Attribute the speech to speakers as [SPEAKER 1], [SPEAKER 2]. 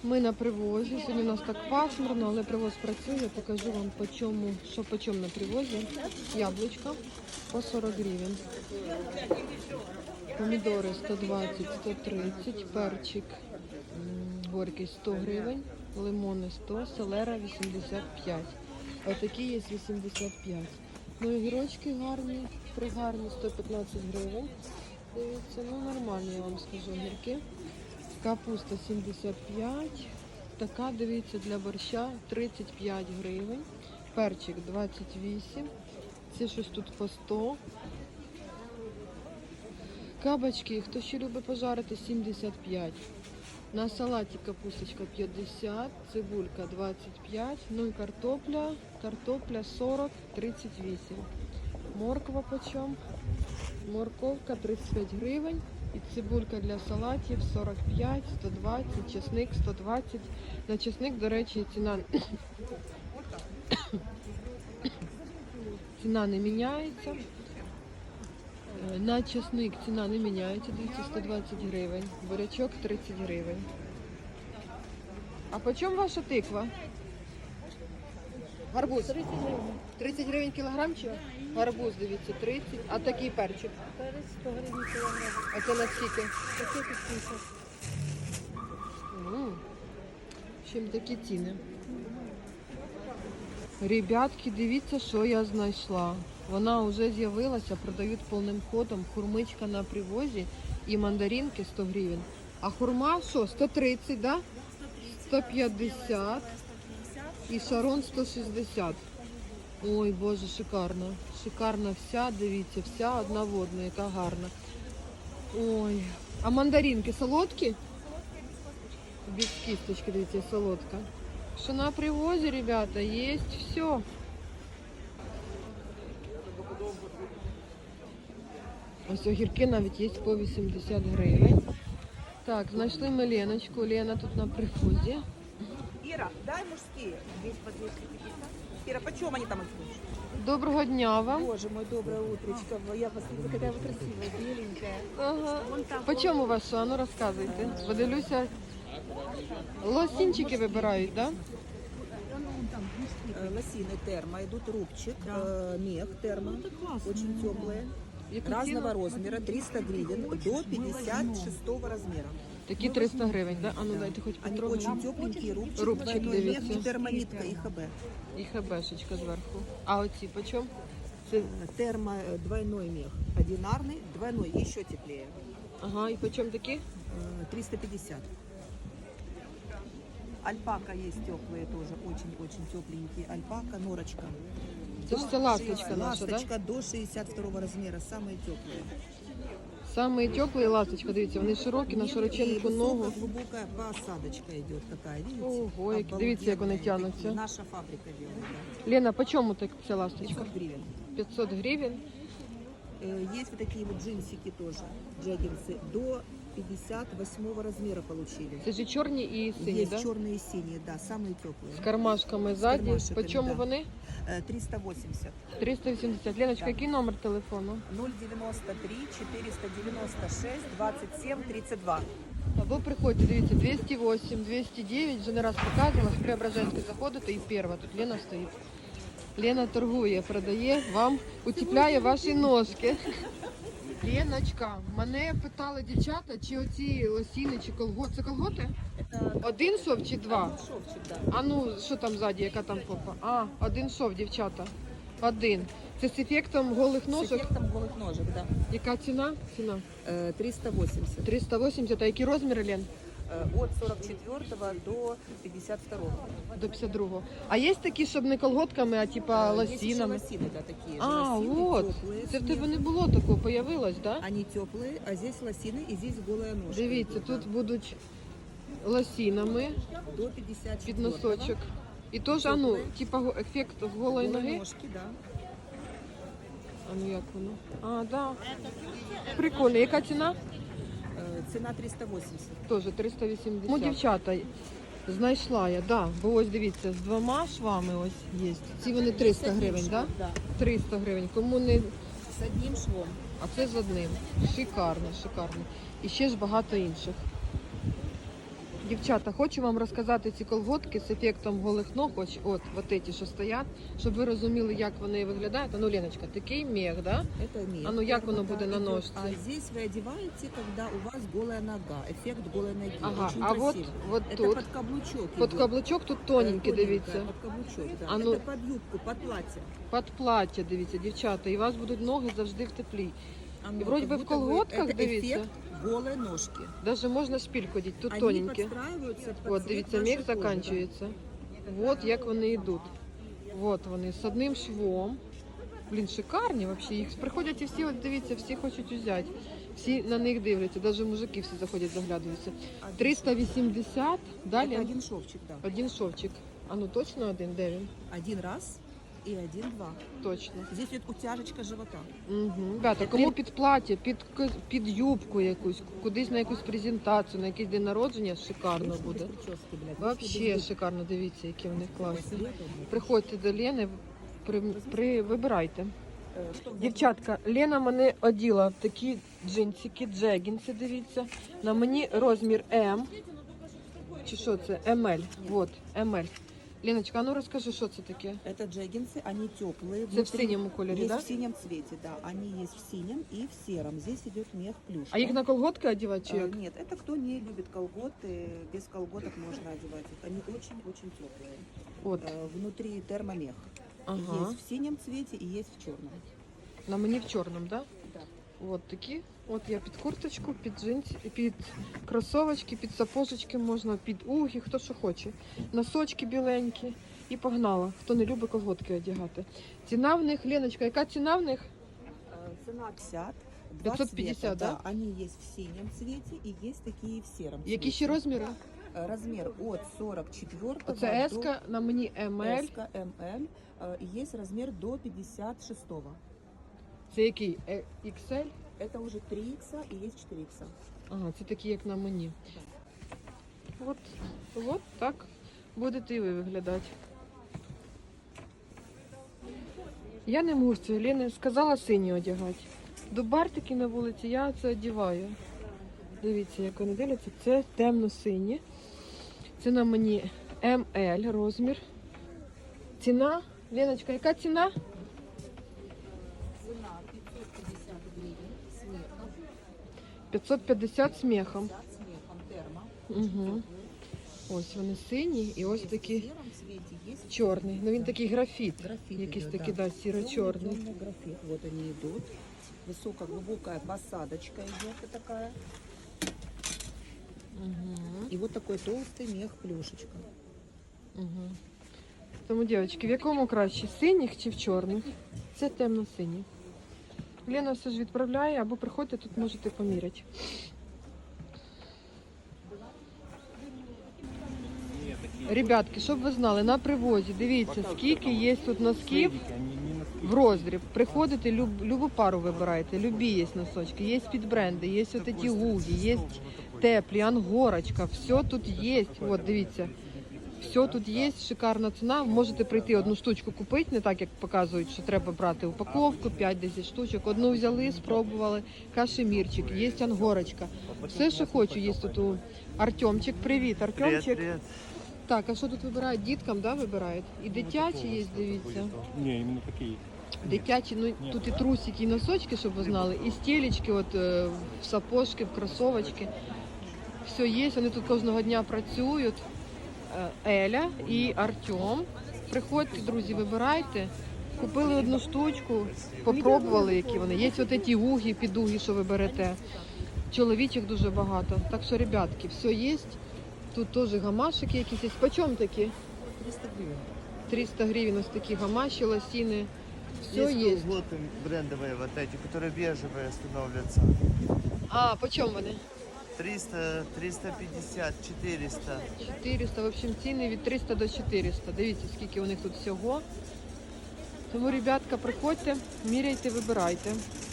[SPEAKER 1] Ми на привозі. Сьогодні у нас так пасмурно, але привоз працює. Покажу вам, що по чому на привозі. Яблучка по 40 гривень. Помідори 120-130, перчик горький 100 гривень, лимони 100, селера 85. Отакі є 85. Ну, огірочки гарні, пригарні 115 гривень. Дивіться, ну нормальні, я вам скажу, огірки. Капуста 75. Така, дивіться, для борща 35 гривень. Перчик 28. Це щось тут по 100. Кабачки, хто ще любить пожарити, 75. На салаті капусточка 50, цибулька 25, ну і картопля 40, 38. Морква почем? Морковка 35 гривень. І цибулька для салатів 45, 120, чесник 120. На чесник, до речі, ціна не міняється. На чесник ціна не міняється, дивіться, 120 гривень. Бурячок 30 гривень. А по чому ваша тиква? Гарбуз? 30 гривень. 30 гривень кілограмчик? Гарбуз, дивіться, 30. А такий перчик?
[SPEAKER 2] Перець 100 гривень кілограм.
[SPEAKER 1] А це на скільки?
[SPEAKER 2] Таке підписок.
[SPEAKER 1] Чим такі ціни? Ребятки, дивіться, що я знайшла. Вона вже з'явилася, продають повним ходом. Хурмичка на привозі і мандаринки 100 гривень. А хурма що, 130, да? 150 і шарон 160. Ой, Боже, шикарно. Шикарна вся, дивіться, вся одна в одну, яка гарна. Ой, а мандаринки солодкі? Без кісточки, дивіться, солодка. Що на привозі, ребята, є все. Ось огірки навіть є по 80 гривень. Так, знайшли ми Леночку. Лена тут на привозі.
[SPEAKER 3] Ира, дай мужские. Здесь по 250. Ира, почем они там идут?
[SPEAKER 1] Доброго дня вам.
[SPEAKER 3] Боже мой, доброе утречко. Я посмотрю, какая вы красивая, беленькая.
[SPEAKER 1] Ага. По чому ваша? А ну розказуйте. Подивлюся. Лосінчики вибирають, так? Да?
[SPEAKER 3] Лосины термо, идут рубчик, мех термо, очень теплые. Разного размера, 300 гривен до 56 размера.
[SPEAKER 1] Такі 300 гривень, да? А ну дайте хоч
[SPEAKER 3] Они
[SPEAKER 1] потрогаю.
[SPEAKER 3] очень тепленькие, рубчик,
[SPEAKER 1] Рубчик,
[SPEAKER 3] двойной мех
[SPEAKER 1] дивіться.
[SPEAKER 3] и термонитка, и ХБ.
[SPEAKER 1] І хебешечка зверху. А оці по чому?
[SPEAKER 3] Термо, двойной мех, одинарный, двойной, еще теплее.
[SPEAKER 1] Ага, і по чому такі?
[SPEAKER 3] 350. Альпака есть теплые тоже, очень-очень тепленькие. Альпака, норочка.
[SPEAKER 1] Це ж це ласточка наша, да?
[SPEAKER 3] Ласточка до 62 размера, самые теплые.
[SPEAKER 1] Самые теплые ласточка, дивіться, вони широкі, на широченьку ногу.
[SPEAKER 3] Глубокая посадочка идет такая, видите?
[SPEAKER 1] Ого, дивіться, як вони
[SPEAKER 3] Обалденные
[SPEAKER 1] тянуться.
[SPEAKER 3] такие. Наша фабрика делает, да.
[SPEAKER 1] Лена, по чому так ця ласточка?
[SPEAKER 3] 500 гривен.
[SPEAKER 1] 500 гривень.
[SPEAKER 3] Есть вот такие вот джинсики тоже, джаггерсы, до 58 размера получили.
[SPEAKER 1] Це ж і чорні і сині,
[SPEAKER 3] Есть
[SPEAKER 1] да?
[SPEAKER 3] черные и синие, да, самые теплые.
[SPEAKER 1] З кармашками ззаді.
[SPEAKER 3] кармашками,
[SPEAKER 1] По чому
[SPEAKER 3] да.
[SPEAKER 1] вони?
[SPEAKER 3] 380.
[SPEAKER 1] 380. Леночка,
[SPEAKER 3] Да.
[SPEAKER 1] який номер телефону?
[SPEAKER 3] 093 496 27 32.
[SPEAKER 1] Або приходьте, дивіться, 208, 209, вже не раз показувала, з Преображенська заходите і перша, тут Лена стоїть. Лена торгує, продає, вам утепляє ваші ножки. Леночка, мене питали дівчата, чи оці лосіни, чи колготи. Це колготи?
[SPEAKER 3] Это
[SPEAKER 1] Один шов чи два?
[SPEAKER 3] шовчик, да.
[SPEAKER 1] А ну, що там ззаді, яка там попа? А, один шов, дівчата. Один. Це з ефектом голих
[SPEAKER 3] С
[SPEAKER 1] ножок.
[SPEAKER 3] эффектом голых ножек, да.
[SPEAKER 1] Яка ціна? Ціна.
[SPEAKER 3] 380.
[SPEAKER 1] 380. А які розміри, Лен?
[SPEAKER 3] От 44 до 52.
[SPEAKER 1] До 52-го. А є такі, щоб не колготками, а типа
[SPEAKER 3] Есть еще
[SPEAKER 1] лосінами?
[SPEAKER 3] лосины, да, такие же.
[SPEAKER 1] А,
[SPEAKER 3] Лосины
[SPEAKER 1] от.
[SPEAKER 3] теплые,
[SPEAKER 1] Це в тебе
[SPEAKER 3] смех.
[SPEAKER 1] не було такого, появилось, да?
[SPEAKER 3] Они теплые, а здесь лосины и здесь голая ножка.
[SPEAKER 1] Дивіться,
[SPEAKER 3] идет,
[SPEAKER 1] тут
[SPEAKER 3] да.
[SPEAKER 1] будуть лосінами
[SPEAKER 3] До 54.
[SPEAKER 1] під носочок. І теж, а ну, типа ефект голої ноги.
[SPEAKER 3] ножки, да.
[SPEAKER 1] А ну як воно? А, да. Прикольно. Яка ціна?
[SPEAKER 3] Цена 380.
[SPEAKER 1] Теж 380. Ну, дівчата, знайшла я, да. Бо ось дивіться, з двома швами ось є. Ці вони 300 гривень, да?
[SPEAKER 3] Да.
[SPEAKER 1] 300 гривень. Кому не...
[SPEAKER 3] С одним швом.
[SPEAKER 1] А це з одним. Шикарно, шикарно. І ще ж багато інших. Дівчата, хочу вам розказати ці колготки з ефектом голих ног, от ті, що стоять, щоб ви розуміли, як вони виглядають. А ну, Леночка, такий мех, да?
[SPEAKER 3] Это мех.
[SPEAKER 1] А ну, як воно буде на
[SPEAKER 3] идет.
[SPEAKER 1] ножці?
[SPEAKER 3] А здесь вы одеваете, когда у вас голая нога. Эффект голой ноги.
[SPEAKER 1] Ага,
[SPEAKER 3] Очень
[SPEAKER 1] а
[SPEAKER 3] красиво.
[SPEAKER 1] вот
[SPEAKER 3] Это
[SPEAKER 1] тут,
[SPEAKER 3] под каблучок
[SPEAKER 1] під
[SPEAKER 3] идет.
[SPEAKER 1] каблучок тут тоненький,
[SPEAKER 3] Тоненькая,
[SPEAKER 1] дивіться.
[SPEAKER 3] Под каблучок, да.
[SPEAKER 1] А ну.
[SPEAKER 3] Это под юбку, под платье.
[SPEAKER 1] Під плаття, дивіться, дівчата, і у вас будуть ноги завжди в теплі.
[SPEAKER 3] Оно
[SPEAKER 1] И вроде
[SPEAKER 3] как
[SPEAKER 1] бы в
[SPEAKER 3] будто
[SPEAKER 1] колготках,
[SPEAKER 3] это
[SPEAKER 1] дивіться.
[SPEAKER 3] эффект голой ножки.
[SPEAKER 1] Даже можна шпильку одіти, тут
[SPEAKER 3] Они
[SPEAKER 1] тоненькі.
[SPEAKER 3] подстраиваются под
[SPEAKER 1] От,
[SPEAKER 3] цвет
[SPEAKER 1] дивіться,
[SPEAKER 3] вашей
[SPEAKER 1] мех
[SPEAKER 3] кожи.
[SPEAKER 1] закінчується. От як вони йдуть. От вони, з одним швом. Блін, шикарні взагалі. Їх приходять і всі, от дивіться, всі хочуть взяти. Всі на них дивляться, навіть мужики всі заходять, заглядаються. 380, далі
[SPEAKER 3] Это один шовчик, да.
[SPEAKER 1] один шовчик. А ну точно один, де він?
[SPEAKER 3] Один раз и один-два.
[SPEAKER 1] Точно.
[SPEAKER 3] Здесь идет утяжечка живота.
[SPEAKER 1] Угу. Ребята, кому під плаття, під юбку якусь, кудись на якусь презентацію, на якийсь день народження, шикарно буде.
[SPEAKER 3] Прически, блядь.
[SPEAKER 1] Вообще шикарно, дивіться, які вони класні.
[SPEAKER 3] Лето,
[SPEAKER 1] Приходьте до Лени, вибирайте.
[SPEAKER 3] Что в
[SPEAKER 1] Дівчатка, Лена мене оділа в такі джинсики, джегінси, дивіться. На мені розмір М. Чи що це? МЛ. Вот, МЛ. Леночка, а ну розкажи, що це таке?
[SPEAKER 3] Это джеггинсы, они теплые.
[SPEAKER 1] Це в синьому кольорі,
[SPEAKER 3] Есть
[SPEAKER 1] да?
[SPEAKER 3] в синем цвете, да. Они есть в синем и в сером. Здесь идет мех плюш.
[SPEAKER 1] А їх на колготки одягати чи як?
[SPEAKER 3] Нет, это кто не любит колготы, без колготок можно одевать их. Они очень-очень теплые.
[SPEAKER 1] От,
[SPEAKER 3] Внутри термомех.
[SPEAKER 1] ага.
[SPEAKER 3] Есть в синем цвете и есть в черном.
[SPEAKER 1] На мені в чорному, да?
[SPEAKER 3] Да.
[SPEAKER 1] От такі. От я під курточку, під джинси, під кросовочки, під сапожечки можна, під угі, хто що хоче. Носочки біленькі. І погнала. Хто не любить колготки одягати. Ціна в них, Леночка, яка ціна в них?
[SPEAKER 3] Цена 50.
[SPEAKER 1] 550,
[SPEAKER 3] цвета,
[SPEAKER 1] да?
[SPEAKER 3] Они есть в синем цвете и есть такие в сером цвете.
[SPEAKER 1] Які ще розміри?
[SPEAKER 3] Размер от 44
[SPEAKER 1] Оце S, на мені ML.
[SPEAKER 3] МЛ. И есть размер до 56.
[SPEAKER 1] Це який? XL?
[SPEAKER 3] Это уже 3Х и есть 4Х.
[SPEAKER 1] Ага, це такі, як на мені. От так будете і ви виглядати. Я не мусю, Лена сказала сині одягати. До бартики на вулиці я це одягаю. Дивіться, як вони дивляться. Це темно-сині. Це на мені МЛ розмір. Ціна, Леночка, яка ціна?
[SPEAKER 3] Цена 550 гривен с мехом.
[SPEAKER 1] 550 з мехом.
[SPEAKER 3] Да, с мехом термо.
[SPEAKER 1] Угу. Ось вони сині і ось
[SPEAKER 3] Есть
[SPEAKER 1] такі
[SPEAKER 3] в сером цвете, есть
[SPEAKER 1] чорний. Ну він такий графіт.
[SPEAKER 3] графит.
[SPEAKER 1] Якийсь
[SPEAKER 3] идет,
[SPEAKER 1] такий, да, сіро-чорний.
[SPEAKER 3] Темный графит. Вот они идут. Высокая, глубокая посадочка идет такая.
[SPEAKER 1] Угу.
[SPEAKER 3] И вот такой толстый мех плюшечка.
[SPEAKER 1] Угу. Тому, дівчатки, в якому краще? Синіх чи в чорних? Це темно-сині. Лена все ж відправляє, або приходьте, тут можете поміряти. Ребятки, щоб ви знали, на привозі, дивіться, скільки є тут носків в роздріб. Приходите, любу пару вибираєте, любі є носочки, є підбренди, є от ці гугі, є теплі, ангорочка, все тут є. От, дивіться, все тут є, шикарна ціна. Можете прийти одну штучку купити, не так, як показують, що треба брати упаковку, 5-10 штучок. Одну взяли, спробували, кашемірчик, є ангорочка. Все, що хочу, є тут у Артемчик. Привіт, Артемчик.
[SPEAKER 4] Привет.
[SPEAKER 1] Так, а що тут вибирають? Діткам, да, вибирають? І дитячі є, дивіться.
[SPEAKER 4] Не, именно такие.
[SPEAKER 1] Дитячі, ну тут і трусики, і носочки, щоб ви знали, і стелечки, от в сапожки, в кросовочки. Все є, вони тут кожного дня працюють. Еля і Артем. Приходьте, друзі, вибирайте. Купили одну штучку, попробували, які вони. Є от ці угі, підуги, що ви берете. Чоловічих дуже багато. Так що, ребятки, все є. Тут теж гамашики якісь є. Почем такі?
[SPEAKER 3] 300 гривен.
[SPEAKER 1] 300 гривень ось такі гамаші, лосіни. Все
[SPEAKER 4] Есть
[SPEAKER 1] є.
[SPEAKER 4] колготы брендовые вот эти, которые бежевые становятся.
[SPEAKER 1] А, почем вони?
[SPEAKER 4] 300, 350, 400.
[SPEAKER 1] 400, в общем, ціни від 300 до 400. Дивіться, скільки у них тут всього. Тому, ребятка, приходьте, міряйте, вибирайте.